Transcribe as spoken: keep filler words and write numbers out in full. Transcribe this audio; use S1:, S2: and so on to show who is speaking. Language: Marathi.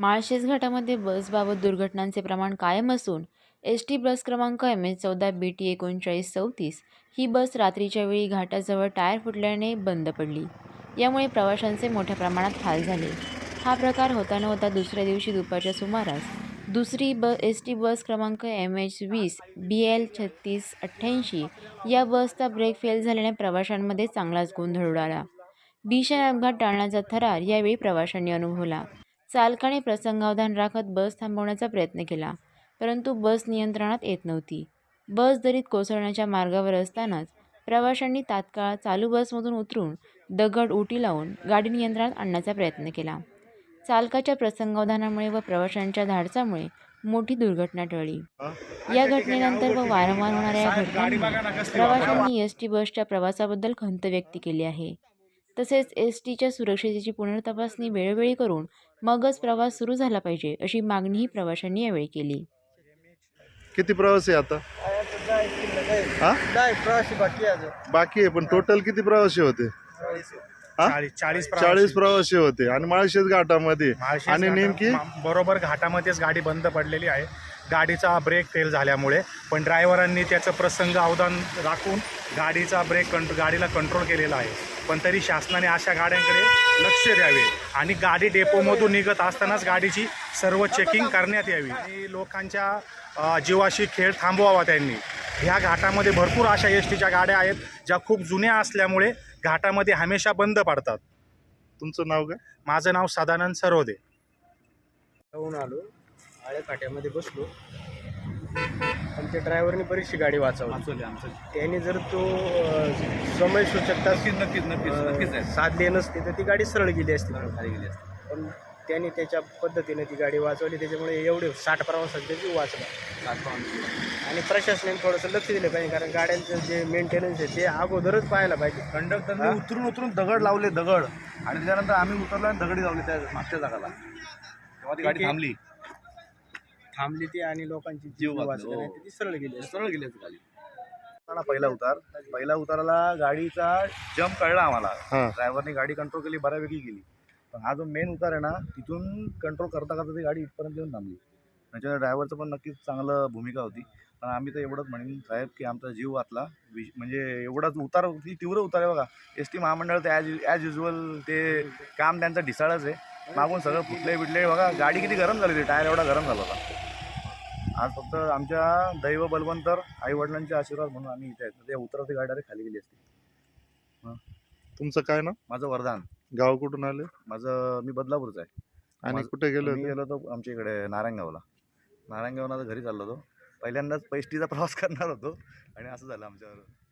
S1: माळशेज घाटामध्ये बसबाबत दुर्घटनांचे प्रमाण कायम असून एस टी बस क्रमांक एम एच चौदा बी टी एकोणचाळीस चौतीस ही बस रात्रीच्या वेळी घाटाजवळ टायर फुटल्याने बंद पडली. यामुळे प्रवाशांचे मोठ्या प्रमाणात हाल झाले. हा प्रकार होता न होता दुसऱ्या दिवशी दुपारच्या सुमारास दुसरी ब एस टी बस क्रमांक एम एच वीस बी एल छत्तीस अठ्ठ्याऐंशी या बसचा ब्रेक फेल झाल्याने प्रवाशांमध्ये चांगलाच गोंधळ उडाला. भीषण अपघात टाळण्याचा थरार यावेळी प्रवाशांनी अनुभवला. चालकाने प्रसंगावधान राखत बस थांबवण्याचा प्रयत्न केला, परंतु बस नियंत्रणात येत नव्हती. बस दरीत कोसळण्याच्या मार्गावर असतानाच प्रवाशांनी तात्काळ चालू बसमधून उतरून दगड उडी लावून गाडी नियंत्रणात आणण्याचा प्रयत्न केला. चालकाच्या प्रसंगावधानामुळे व प्रवाशांच्या धाडसामुळे मोठी दुर्घटना टळली. या घटनेनंतर व वारंवार होणाऱ्या या घटनांमुळे प्रवाशांनी एस टी बसच्या प्रवासाबद्दल खंत व्यक्त केली आहे. तसेच एस टीच्या सुरक्षेची पुनर्तपासणी वेळोवेळी करून मगच प्रवास सुरू झाला पाहिजे, अशी मागणीही प्रवाशांनी यावेळी केली.
S2: किती प्रवासी आता? हा?
S3: प्रवासी बाकी आहे.
S2: बाकी आहे, पण टोटल किती प्रवासी होते? हा?
S3: चाळीस
S2: चाळीस प्रवासी होते. आणि माळशेज घाटामध्ये
S3: माळशेज
S2: आणि
S3: घाटा-
S2: नेमकी
S3: मा- बरोबर घाटामध्येच गाडी बंद पडलेली आहे. गाडीचा ब्रेक फेल झाल्यामुळे पण ड्रायव्हरांनी त्याचं प्रसंग अवधान राखून गाडीचा ब्रेक कंट्रो गाडीला कंट्रोल केलेला आहे. पण तरी शासनाने अशा गाड्यांकडे लक्ष द्यावे आणि गाडी डेपोमधून निघत असतानाच गाडीची सर्व चेकिंग करण्यात यावी आणि लोकांच्या अ, जीवाशी खेळ थांबवावा त्यांनी. ह्या घाटामध्ये भरपूर अशा एस टीच्या गाड्या आहेत ज्या खूप जुन्या असल्यामुळे घाटामध्ये हमेशा बंद पडतात.
S2: तुमचं नाव काय?
S3: माझं नाव सदानंद सरोदे.
S4: जाऊन आलो, आळ्या फाट्यामध्ये बसलो, पण त्या ड्रायव्हरने बरीचशी गाडी वाचवली. त्याने जर तो अ, समय सूचकता
S5: नक्कीच नक्कीच नक्कीच
S4: अ, साधली नसती तर ती गाडी सरळ गेली असती. पण त्याने त्याच्या पद्धतीने ती गाडी वाचवली, त्याच्यामुळे एवढे साठ प्रवासांचा जीव वाचला. आणि प्रशासनाने थोडंसं लक्ष दिलं पाहिजे, कारण गाड्यांचं जे मेंटेनन्स आहे ते अगोदरच पाहायला पाहिजे.
S5: कंडक्टरने उतरून उतरून दगड लावले दगड आणि त्याच्यानंतर आम्ही उतरलो आणि दगडी लावले त्या मागच्या जागाला. तेव्हा ती गाडी थांबली
S4: थांबली ती आणि लोकांची
S5: जीव
S4: जीव
S5: वाचले.
S4: वाचले,
S5: हो.
S4: नाही तर ती सरळ गेली असती.
S5: सरळ गेली गाडी. पहिला उतार पहिला उताराला गाडीचा जम्प कळला आम्हाला.
S2: हा.
S5: ड्रायव्हरने गाडी कंट्रोल केली, बऱ्यापैकी गेली. पण हा जो मेन उतार आहे ना, तिथून कंट्रोल करता करता ती गाडी इथपर्यंत येऊन थांबली. त्याच्यामुळे ड्रायव्हरचं पण नक्कीच चांगलं भूमिका होती. पण आम्ही तर एवढंच म्हणेन साहेब की आमचा जीव वाचला. विश म्हणजे एवढाच उतार, ती तीव्र उतार आहे बघा. एस टी महामंडळ तर ॲज ॲज युजल ते काम त्यांचं ढिसाळच आहे. मागून सगळं फुटले बिटले बघा. गाडी किती गरम झाली होती, टायर एवढा गरम झाला होता. आज फक्त आमच्या दैव बलवंतर आईवडिलांचे आशीर्वाद म्हणून आम्ही इथे आहेत. ते उतरवती गाडी डायरेक्ट खाली गेली असती.
S2: तुमचं काय नाव?
S5: माझं वरदान.
S2: गाव कुठून आले
S5: माझं मी बदलापूरचा आहे.
S2: आणि
S5: माझं-
S2: कुठे गेले
S5: मी
S2: होते?
S5: गेलो होतो आमच्या इकडे नारायणगावला. नारायणगावला घरी चाललो होतो. पहिल्यांदाच पैष्टीचा प्रवास करणार होतो आणि असं झालं आमच्यावर.